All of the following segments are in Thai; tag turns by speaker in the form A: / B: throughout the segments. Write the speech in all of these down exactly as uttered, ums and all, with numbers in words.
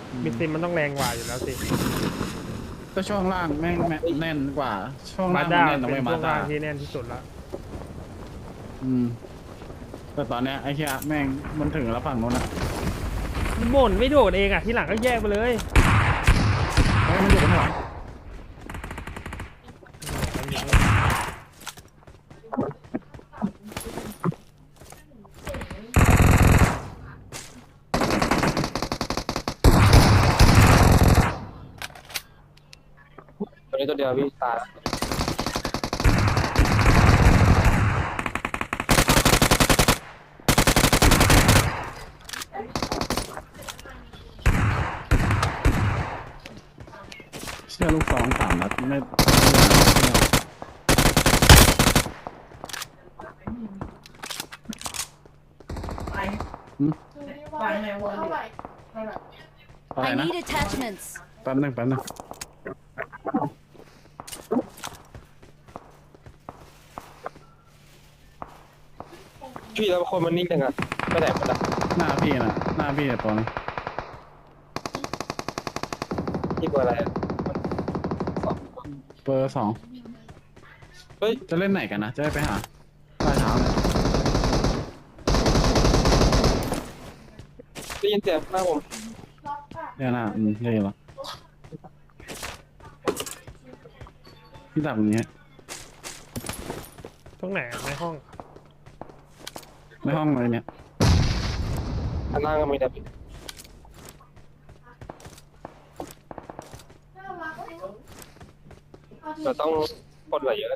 A: มิดซิมมันต้องแรงกว่าอยู่แล้วสิ
B: ก็ช่วงล่างแม่งแน่นกว่าช่วง
A: มา
B: ล่าง
A: ด้า
B: แน่นนะ
A: เป็
B: เว้ยมา
A: นช่วงล่า
B: ด้าง
A: ที่แน่นที่สุดละ
B: อืมแต่ตอนเนี้ยไอ้เหี้ยแม่งมันถึงแล้วฝั่งโน้นอ่ะ
A: บ่นไม่โดดเองอ่ะที่หลังก็แยกไปเลย
B: เฮ้ยมันอยู่บนหัว
C: ตัวนี้ตัวเดียวพี่ตาย
B: เชื่อลูกสองสามนัดไม่อะไร
D: I
B: นะ
D: need attachments.
B: แป๊บนึงแป๊บนึง
C: พี่แล้วคนมันนิ่งจังอะไม่ไหนมันอะ
B: หน้าพี่นะหน้าพี่ตัวนึง
C: พี่กลัวอะไรอะ
B: เบอร์สอง
C: เฮ้ย
B: จะเล่นไหนกันนะจะได้ไปหาปลายเท้าเนี่ย
C: ได้ยินเสียงหน้าผม
B: เนี่ยนะอืมได้ยินแล้วพี่ดับอย่างเงี้ย
A: ตรงไหนอะในห้อง
B: ในห้องอะไรเนี่ย
C: ข้างล่างก็มีแต่พี่เราต้องกดไหลเยอะ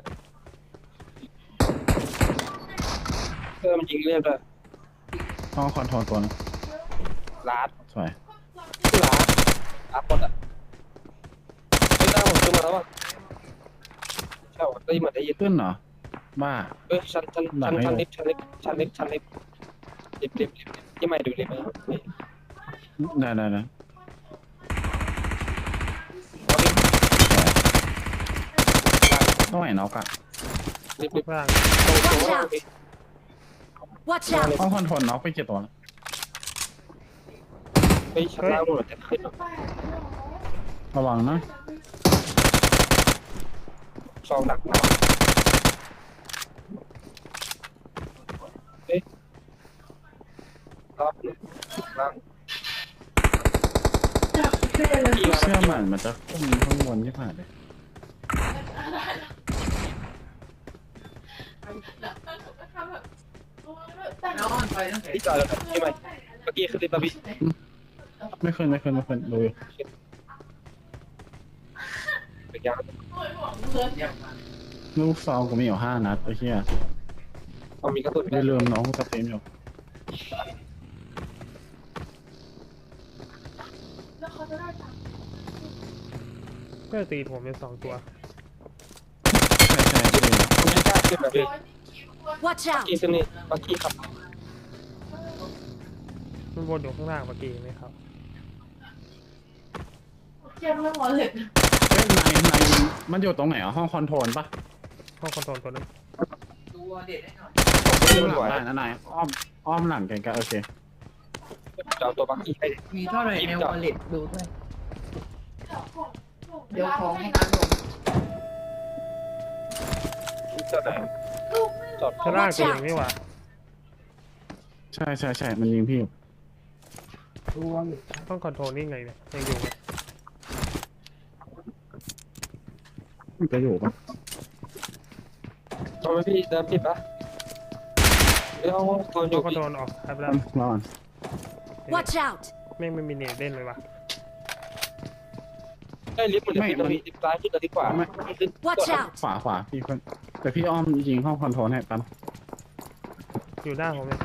C: เพื่อมันยิงเรียบเลย
B: ห้องคอนโทรลตัวนึง
C: ลาด
B: สวย
C: ที่ลาดลาดกดอะไม่ได้ผมขึ้นมาแล้วอะใช่หรอได้ยินเหมือนได้ยิน
B: ขึ้นเหรอบ้า
C: เอ้ยชั้นชั้นชั้นชั้นลิฟต์ชั้นลิฟต์ชั้นลิฟต์ชั้นลิฟต์ลิฟต์ลิฟต์ลิฟต์ที่ไม่ดูลิฟต์นะ
B: ได้ได้ได้ต้องไหนน็อกอะ
C: ลิฟต์ลิฟต์
A: ล่าง
C: ตรงตรงล่าง
D: Watch out!
B: ห้องคอนโทรลน็อกไปกี่ตัวแล้ว
C: ไปชั้นล่างหมดจะขึ้น
B: ระวังนะ
C: ซองหนักนะเอ๊ะรอบล่าง
B: เชื่อมันมันจะขึ้นข้างบนที่ผ่านเลย
C: ที่จอยแล้วใช่ไหมเมื่อกี้คือลิฟต์แล้วพี่
B: ไม่ขึ้นไม่ขึ้นไม่ขึ้นดูอยู่
C: เป็นยัง
B: ลูกซองกูมีอยู่ห้านัดไอ้เหี้ย
C: เอามีกระสุน
B: ไม่ลืมน้องกูสตรีมอยู่
A: ก็ตีผมเป็นสองตัว
B: ใช่ใช่ใช่
C: ไม่กล้าขึ้นแบบพี่
D: Watch
C: เมื่อ
D: out!
C: กี้ขึ้นนี่เมื่อกี้ครับ
A: มันวนอยู่ข้างล่างเมื่อกี้ไหมครับ
B: เอ้ยนายนายมันอยู่ตรงไหนอ่ะห้องคอนโทรลปะ
A: ห้องคอนโทรลตัวนั้น
C: ขึ้
B: อ้
C: น
B: อมห
C: หั
B: ลั
C: ว
B: งได้นะนายอ้อมอ้อมหลังแกก็โอเค
C: จะเอาตัวบักกี้ให้
E: มีเท่าไหร่ในวอลเล็ตดูด้วยเดี๋ยวของให้อาลง
C: จอดไหนจอด
A: ข้างล่างตัวเองไม่หว่า
B: ใช่ใช่ใช่มันยิงพี่อยู่
A: ห้องคอนโทรลนี่ไงเนี่ยยังอยู่ไหม
B: มันจะอยู่ปะ
C: ทำไมพี่เดินผิดปะเดี๋ยวตอนอ
A: ห้อยู่ งคอน
C: พี่
A: โทรลออกครับแล้ว
B: รอก่อน
D: Watch out!
A: แม่งไม่มีเน็ตเล่นเลยวะ
C: ได้ลิฟต์มันลิฟต์มันลิฟต์ซ้ายขึ้นลิฟต์ขวา
D: Watch out!
B: ขวาขวาพี่คนแต่พี่อ้อมยิงห้องคอนโทรลให้ปั๊ม
A: อยู่หน้าผมเลย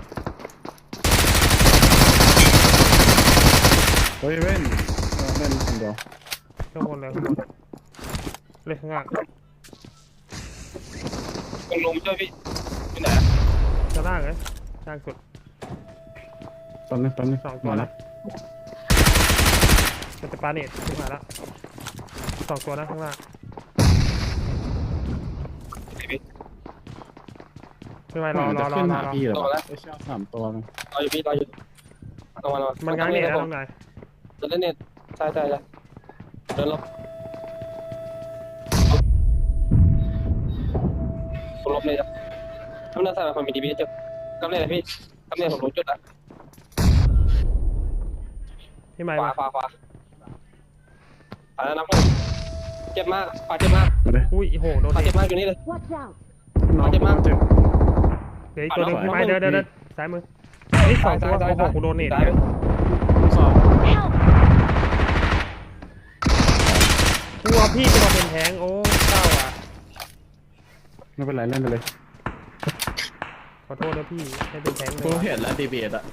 B: เฮ้ยเว้นเออเล่นคนเดียว
A: ข้างบนเลยข้างบนเลยข้างล่าง
C: ลงลงช่วยพี่ที่ไหน
A: ข้างล่างเลยล่างสุด
B: ตอนนี้ตอนนี้
A: สองตัว
B: มา
A: นะ
B: แล้ว
A: มันจะปาเน็ตขึ้นมาแล้วสองตัวนะข้างล่างไม่ไหวรอ
B: มัน
A: ร
B: จะ
A: อรอ
B: ขึ้น
A: รอ
B: หาร
A: อ
B: พี่เหรอไอ้เชี่ยสามตัวเลย
C: รออยู่พี่รออยู่รอมารอ
A: มันง้างเน็ตนะตรงไหน
C: จะเล่นเน็ตใช่ใช่ใช่เดินลบผมลบเลยจ้ะทำหน้าใส่ความมีดีบีจ้ะกำเนิดพี่กำเนิดผมรู้จุดอ่ะ
A: พี่ไม้
C: ขวา
A: มา
C: ขวาขวาขวาแล้วนับเลยเจ็บมากขวาเจ็บมาก
B: มาเลย
A: อุ้ยโหโดน
C: ขวา
A: เด็
C: เจ็บมากอยู่นี่เลย
D: Watch out!
B: น้อง
C: เจ็บมาก
B: เจ็บ
A: เดี๋ยวอีกตัวหนึง
C: ขวา
A: พี่ไม้
C: ขวา
A: เดี๋ยวเดี๋ยวเดี๋ยวซ้ายมือเฮ้ยสองตัว
C: ซ้ายซ้าย
A: โอ้โหกูโดนเนต
C: ซ้าย
A: เนี่ย
B: ลูกสอง
D: Help!
A: กลัวพี่จะมาเป็นแท้งโอ้เศร้าอ่ะ
B: ไม่เป็นไรเล่นไปเลย
A: ขอโทษนะพี่ให้เป็นแท้งเล
B: กู
A: ย
B: เห็นแล้วดีเบตอะ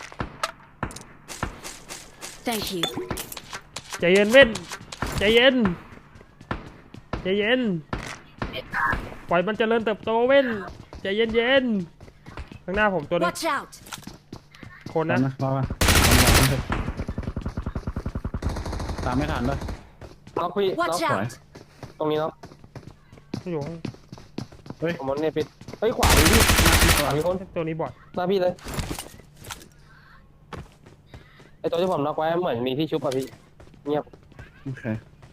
D: Thank you.
A: ใจเย็นเว้นใจเย็นใจเย็นปล่อยมันเจริญเติบโตเว้นใจเย็นเย็นข้างหน้าผมตัวนึง
D: Watch out!
A: คน
B: ตา
A: นะ
B: มนะรอมาตามไม่ทันด้วย
C: น็อกพี่น็อก
D: Watch
B: สวย
D: out!
C: ตรงนี้น็อก
A: อยู่ข้าง
B: เฮ้ย
C: ผมมันเนี่ยปิดเฮ้ยขวามีพี่ขวามีคน
A: ตัวนี้บอด
C: หน้าพี่เลยไอตัวที่ผมน็อกไว้เหมือนมีที่ชุบอ่ะพี่เงียบ
B: โอเค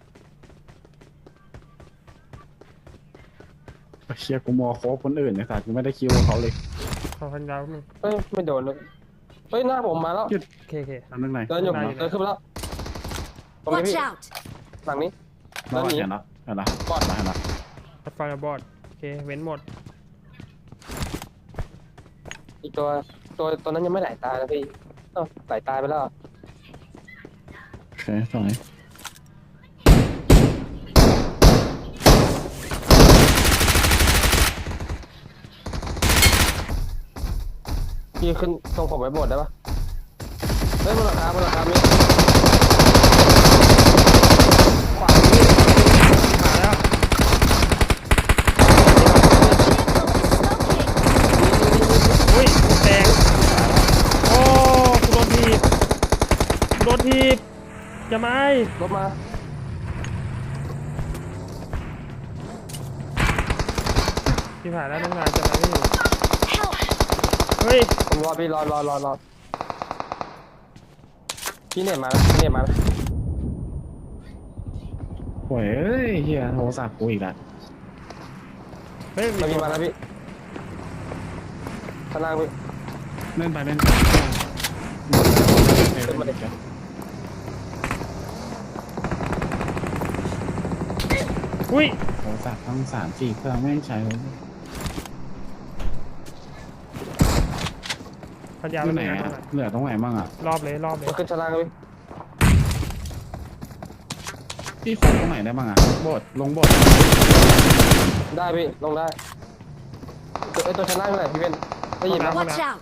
B: เชียร์กูมอโคบคนอื่นเนี่ยสัตว์กูไม่ได้คิวเขาเลย
A: ขอพันยาวนึง
C: เฮ้ยไม่โดนเลยเฮ้ยหน้าผมมาแล้ว
A: โอเคโอเค
B: ทำเรื่องไหน
C: เดินอยู่
A: ได้อยู่
C: เดินขึ้นมาแล้วตรงนี้
D: Watch
C: พี่
D: out!
C: ฝั่งนี้
B: รอ
C: เดินหนี
B: เห็นแล้วเห็นแล้ว
C: บอด
B: มาเห็นแล้ว
A: พัดไฟบอดโอเคเว้นหมด
C: อีกตัวตัวตัวนั้นยังไม่ไหลตายนะพี่เอ้าไหลตายไปแล้ว
B: โอเคสวย
C: พี่ขึ้นตรงผมไว้หมดได้ปะเฮ้ยบนหลังคาบนหลังคามีขวาพี่
A: มาแล้วอุ้ยกูแตกโอ้กูโดนทีบกูโดนทีบจะไม่
C: รถมา
A: ที่ผ่านแล้วน้องนายจะมาไม่อยู่
D: Help!
A: เฮ้ย
C: ผมรอพี่รอรอรอรอพี่เนี่ยมาแล้วพี่เนี่ยมาแล้ว
B: โอ้ยเอ้ยเฮียโทรศัพท์กูอีกแล้ว
A: เฮ้ย
C: มาพี่มาแล้วพี่ข้างล่างพี่
B: เล่นไปเล่นไปเล่นไปเล่นไป
A: อุ้ย
B: โทรศัพท์ทั้งสามสี่เครื่องไม่ใช้เลย
A: พันยาว
B: อยู่
A: แล้ว
B: ไหน
A: นะ
B: อะเหลือตรงไหนบ้างอะ
A: รอบเลยรอบเลย
C: มาขึ้นชั้นล่างพี่
B: พี่คนตรงไหนได้บ้างอะโบดลงโบด
C: ได้พี่ลงได้ตัวไอตัวชั้นล่างเท่าไหร่พี่เป็นได้ยินไหม
D: Watch out!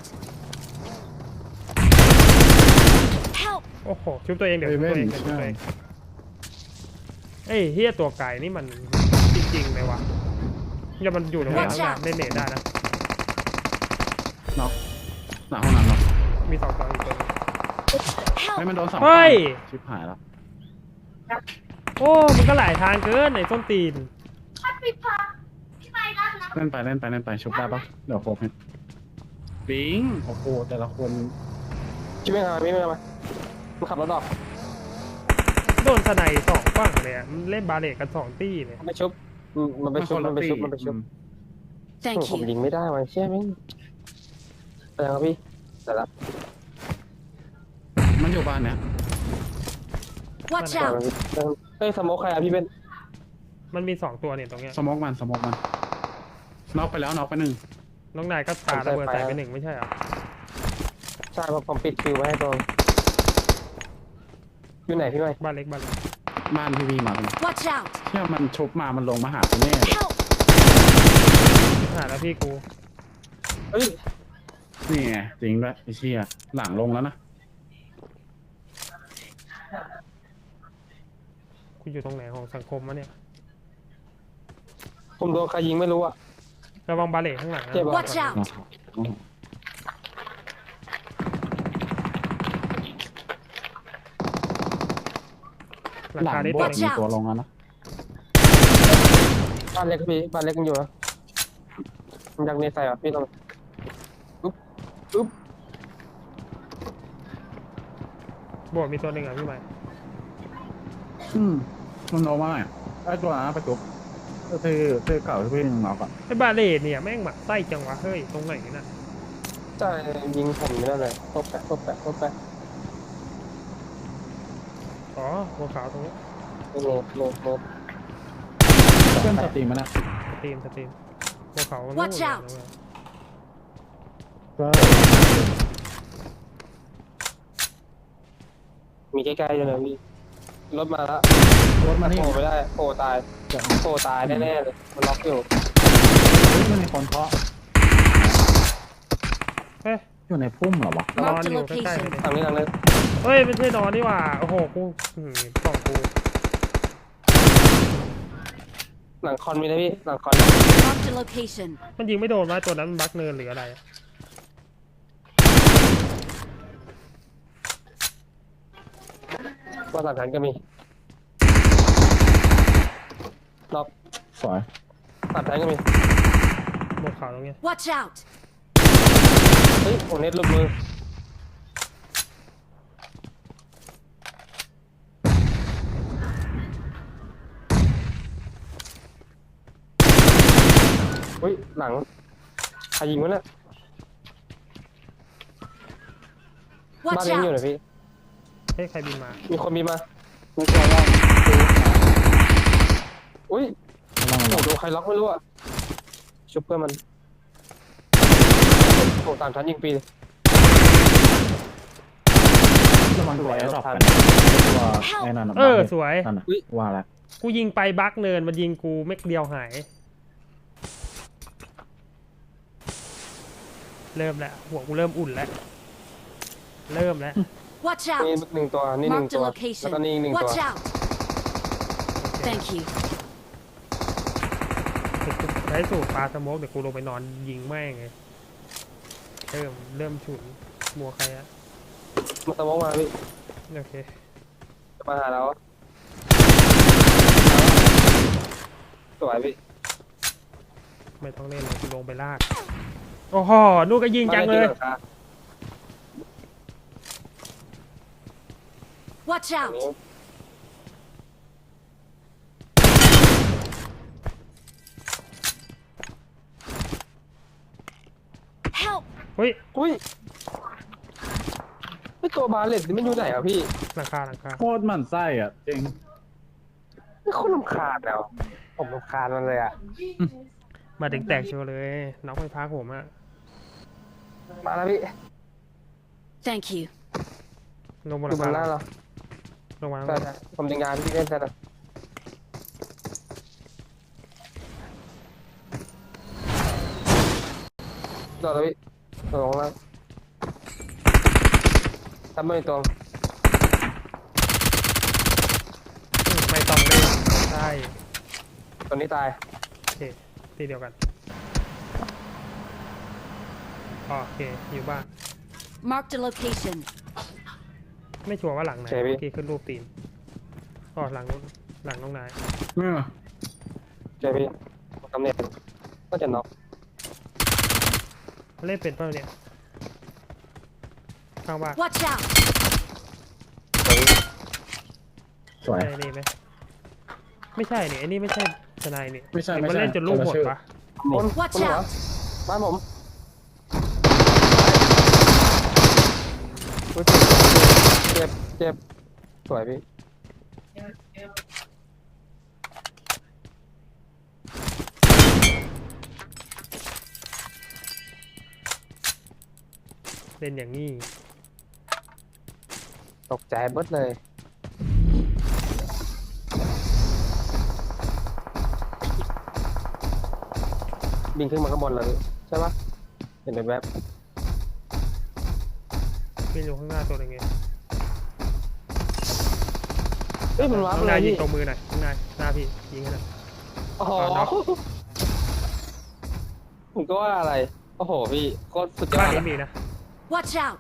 D: Help!
A: โอ้โหชุบตัวเองเดี๋ยวชุบตัวเองเดี๋ยวชุบตัวเองเอ้ยเฮียตัวไก่นี่มันจริงๆเลยวะอย่ามันอยู่ตรงไหน
D: Watch
A: ข้างหน้า
D: out
A: เล่นเนตได้นะ
B: น็อกหลังห้องน้ำน็อก
A: มีสองตัวอีกตัวหนึง
B: ให้
D: Help!
B: มันโดนสอง
A: เฮ้ย
B: ชิบหายแล้ว
A: โอ้มันก็หลายทางเกินไอ้ส้นตีน
B: เล่นไปเล่นไปเล่นไปชุบได้ปะเดี๋ยวโคบให้ปิงโอ้โหแต่ละคน
C: พี่ไม่ทำไมพี่ไม่ทำไมมันขับรถออก
A: โดนสไนด์สองฝั่งเลยอะมันเล่นบาเลกกันสองตี้เลย
C: มันไปชุบอืมมันไปชุบมันไปชุบมันไปชุบ
D: Thank
C: ผม
D: you.
C: ยิงไม่ได้มันเชี่ยแม่งไปยังครับพี่แต่ละ
B: มันอยู่บ้านเนี้ย
D: Watch
C: แต่ละ
D: out!
C: พี่เฮ้ยสโมกใครอะพี่เป็น
A: มันมีสองตัวเนี่ยตรงเนี้ย
B: สมองมันสมองมันน็อกไปแล้วน็อกไปหนึ่ง
A: น้องนายก็ปาระเบิดใส่ไปหนึ่งไม่ใช่เหรอ
C: ใช่เพราะผมปิดคิวไว้ให้ตรงอยู่ไหนพี่ไม่
A: บ้านเล็กบ้านเล็ก
B: บ้านพี่วีมาเป็น
D: Watch out!
B: เชื่อมันชุบมามันลงมาหาคุณแน่เลย
D: Help!
A: หาแล้วพี่กู
C: เฮ้ย
B: นี่ไงจริงด้วยไอ้เชี่ยหลังลงแล้วนะ
A: กูอยู่ตรงไหนของสังคมวะเนี่ย
C: ผมโดนใครยิงไม่รู้อะ
A: ระวังบาเลกข้างหลังนะ
C: เจ็บปะ
D: Watch out!
A: หลัง
B: หลัง
A: คาได้
B: โบ
A: ตัว
B: ด
A: หนึง
B: มีตัวลงแล้วนะ
C: บ้านเล็กพี่บ้านเล็กมันอยู่นะมันยังเนใส่อะพี่ต้องอุ๊บอุ๊บ
A: โบดมีตัวหนึ่งอ่ะพี่ใหม่
B: อืมมันโนมาอ่ะไอ้ตัวนั้นไปจุบที่ที่เก่าที่พี่ยังน็อกอ่ะ
A: ไอ้บาเลตเนี่ยแม่งหมักไส้จังวะเฮ้ยตรงไหนน่ะ
C: ใช่ยิงผมอยู่นั่นเลยตบแปะตบแปะตบแปะ
A: อ๋อหัวขาวตรงนี้
C: โลโลโล
B: เพื่อนสตรีมมันนะ
A: สตรีมสตรีมหัวขาวมัน
D: Watch
A: นู่น
D: out
A: เลยนะ
B: ก็
C: มีใกล้ๆเลยนะพี่รถมาแล้ว
B: รถมาที่
C: โผล่ไม่ได้โผล่ตาย
B: จะ
C: โผล่ตายแน่ๆเลยมันล็อกอยู่
B: มันมีคนเคาะ
A: เฮ้ย
B: อยู่ในพุ่มเหรอวะ
A: นอน
D: Marked
A: อ
D: a
A: ยู่ใกล้ๆ
D: location.
A: เลย
C: ทางนี้ทางนี้
A: เฮ้ยไม่ใช่นอนนี่หว่าโอ้โหกูอื้อหือส่องกู
C: หลังคอนมีนะพี่หลังคอน
D: Marked a location.
A: มันยิงไม่โดนวะตัวนั้นมันบักเนินหรืออะไรอะ
C: ว่าหลังทันก็มีล็อก
B: สวย
C: ตัดทันก็มี
A: หัวขาวตรงเนี้ย
D: Watch out!
C: เฮ้ยโอ้เน็ตหลุดมือเฮ้ยหลังใครยิงวะเนี่ยบ้าน
D: Watch
C: นี้อยู่ไหน
D: out!
C: พี่
A: เฮ้ยใครบินมา
C: มีคนมีมามีตัวแล้วอุ้ย
B: ระวัง
C: โอ้
B: ระวัง
C: โหใครล็อกไม่รู้อะชุบเพื่อนมันโอ้ตามทันยิงปี
B: ระวังตัวแอร์ดรอปกันตัวไอ้นั่น
A: เออสวย
B: นั่นน่ะว่าแล้ว
A: กูยิงไปบักเนินมันยิงกูเม็กเดียวหาย เริ่มแล้วหัวกูเริ่มอุ่นแล้วเริ่มแล้ว
D: Watch
C: นี่
D: out!
C: หนึ่งตัวนี่หนึ่ง
D: Marked
C: ตัว
D: a
C: แล้วก็
D: location.
C: นี่อีกหนึ่งตัว
D: Watch out! Thank you.
A: ใช้สูตรปลาสโมกเดี๋ยวกูลงไปนอนยิงแม่งไงเริ่มเริ่มฉุนมัวใครอะ
C: มาตะมองมาพี่
A: โอเค
C: จะมาหาเราสวยพี่
A: ไม่ต้องเล่นเลยกูลงไปลากโอ้โหนู่นก็ยิงจังเลย
D: Watch out! Help!
A: เฮ้ย
C: อุ้ยไอตัวบาเลตนี่มันอยู่ไหนอ่ะพี่
A: หลังคาหลังคา
B: โคตรหมั่นไส้อ่ะจริง
C: ไม่โคตรรำคาญแล้วผมรำคาญมันเลยอ่ะ
A: มาถึงแตกโชว์เลยน้องไฟฟ้าผมอะ
C: มาแล้วพี่
D: Thank you.
A: ลงบนห
C: ดู
A: ลัง
C: มันห
A: คา
C: น้าเรา
A: ลงมา
C: ใช่ใช่ผมดึงงานพี่เล่นใช่ไหมต่อแล้วพี่ต่อลงแล้วทำไม่ตรง
A: ไม่ต้องเล่นใช่
C: ตัวนี้ตาย
A: โอเคที่เดียวกันอ๋อโอเคอยู่บ้าน
D: Marked a location.
A: ไม่ชัวร์ว่าหลังไหน
C: ใช่พี่
A: เมื่อกี้ขึ้นรูปตีนอ๋อหลังนู้นหลังน้องนาย
B: เออ
C: เจอพี่ตำแหน่งก็จะน็อก
A: เล่นเป็นเปล่าเนี่ยข้างบ้าน
D: Watch out!
B: สวย
A: ใช่นี่ไหมไม่ใช่นี่ไอ้นี่ไม่ใช่ทนายนี่
B: ไม่ใช่
A: เห็น
B: ไม่
A: มัน
B: ใช่
A: เล่นจนลูกหมด
B: คนละชื่อ
A: ปะ
C: คน
D: Watch
C: คนเหรอ
D: out
C: บ้านผมอุ๊ยเจ็บเจ็บสวยพี่
A: เล่นอย่างนี้
C: ตกใจเบิดเลยบินขึ้นมาข้างบนเลยใช่ปะเห็นแบบ
A: เป็นอยู่ข้างหน้าตัวหนึงไง
C: ๆเอ้ยมันว้า
A: น้
C: ไป
A: อง
C: เล
A: นาย
C: ย
A: ยิง
C: พี่
A: ตรงมือหน่อยข้างในหน้าพี่ยิงให้หน่อย
C: โอ้โห
A: เอาน็อก
C: ผมก็ว่าอะไรโอ้โหพี่โคตรสุดยอ
A: บ้าน
C: ด
A: นี้มีนะ
D: Watch out!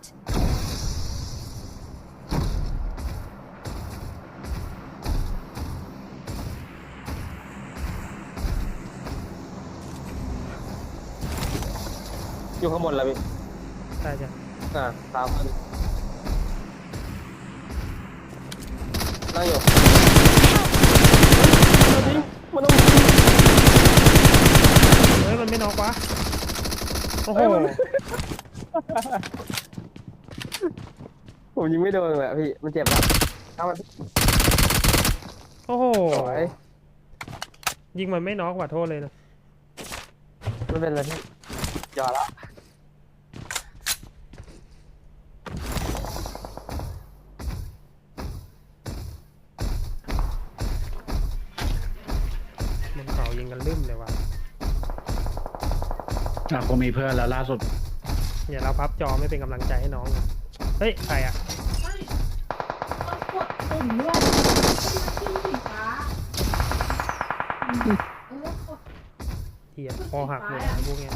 C: อยู่ข้างบนแล้วพี่
A: ใช่ใช่
C: อ่าตามขึ้นนั่งอยู่มันต้อง
A: เฮ้ยมันไม่น็อกวะโอ้โห
C: ผมยิงไม่โดนเลยอะพี่มันเจ็บแล้วเอามัน
A: โอ้โห
C: สวย
A: ยิงมันไม่น็อกว่ะโทษเลยนะ
C: ไม่เป็นไรพี่หยอดแล้ว
A: บนเขายิงกันลืมเลยว่ะ
B: อ่ะกูมีเพื่อนแล้วล่าสุด
A: อย่าเราพับจอไม่เป็นกำลังใจให้น้องเลยเฮ้ยใครอ่ะ
F: กดปุ่มด้วยขึ้นสีฟ้าเออกด
A: เทียคอหักหมดไอ้พวกเนี้ย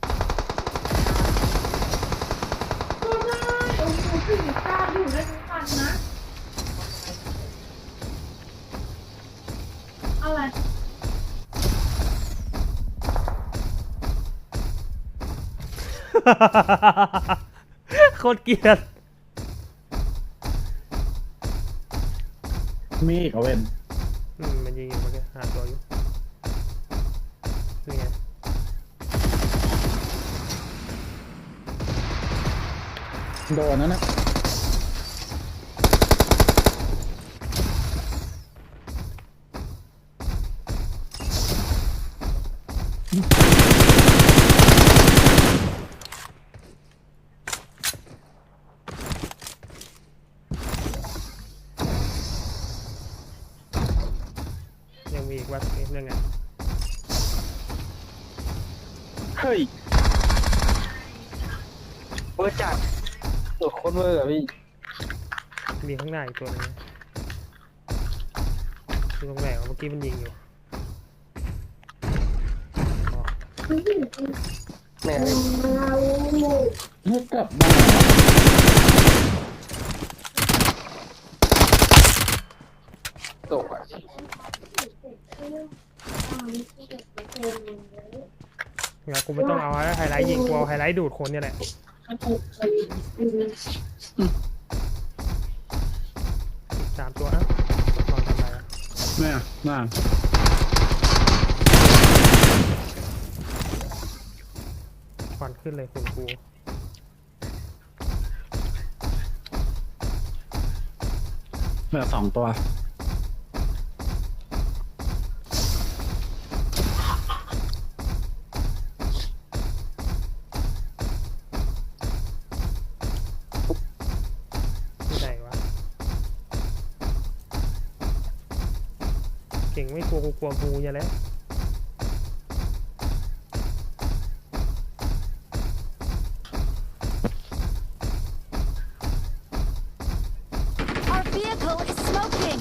F: ก็ได้โอ้โหสีฟ้าอยู่ได้ทุกวันนะ อะไร
A: โคตรเกลียด
B: มีอีกเอาเว้น
A: อืมมันยิงอยู่เมื่อกี้หาตัวอยู่นี่ไง
B: โดนนั่นนะ
A: ยังมีอีกวัดเอ๊ะยังไง
C: เฮ้ยเวอร์จัดตัวโคตรเวอร์อะพี่
A: มีข้างหน้าอีกตัวหนึงนะอยู่ตรงไหนวะเมื่อกี้มันยิงอยู่อ๋อ
C: แม่งเลย
B: เฮ้ยกลับบ้าน
C: ตกอะ
A: งั้นกูไม่ต้องเอาไฮไลท์ยิงกูเอาไฮไลท์ดูดคนเนี่ยแหละอีกสามตัวอ่ะลองทำอะไรอ่ะ
B: เนี่ยน่า
A: ควันขึ้นเลยคุณกู
B: เหลือสองตัว
A: ที่ไหนวะเก่งไม่กลัวกูกลัวงูอย่าแล้ว
D: Our vehicle is smoking.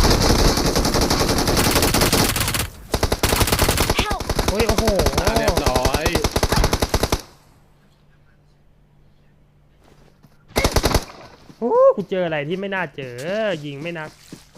D: Help!
A: เฮ้ยโอ้โห
B: อ่ะเรียบร้อย
A: โอ้กูเจออะไรที่ไม่น่าเจอยิงไม่นัก